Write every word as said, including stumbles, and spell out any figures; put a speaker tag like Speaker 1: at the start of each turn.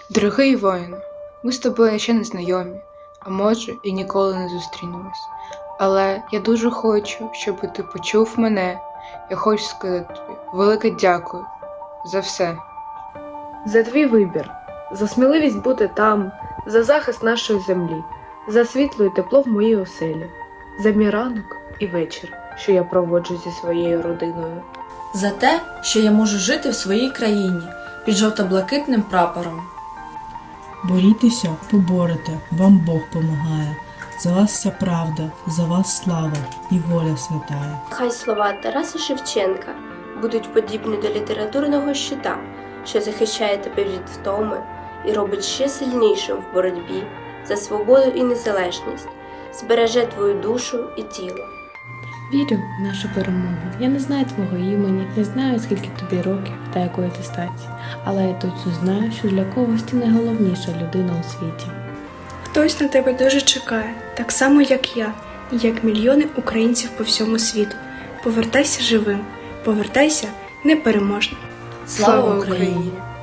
Speaker 1: Дорогий воїну, ми з тобою ще не знайомі, а може і ніколи не зустрінемось. Але я дуже хочу, щоб ти почув мене. Я хочу сказати тобі велике дякую за все.
Speaker 2: За твій вибір, за сміливість бути там, за захист нашої землі, за світло і тепло в моїй оселі, за мій ранок і вечір, що я проводжу зі своєю родиною.
Speaker 3: За те, що я можу жити в своїй країні під жовто-блакитним прапором.
Speaker 4: Борітеся, поборете, вам Бог помагає. За вас вся правда, за вас слава і воля святая.
Speaker 5: Хай слова Тараса Шевченка будуть подібні до літературного щита, що захищає тебе від втоми і робить ще сильнішим в боротьбі за свободу і незалежність, збереже твою душу і тіло.
Speaker 6: Вірю в нашу перемогу. Я не знаю твого імені, не знаю, скільки тобі років та якої ти статі, але я точно знаю, що для когось ти найголовніша людина у світі.
Speaker 7: Хтось на тебе дуже чекає, так само як я, і як мільйони українців по всьому світу. Повертайся живим, повертайся непереможним.
Speaker 3: Слава Україні!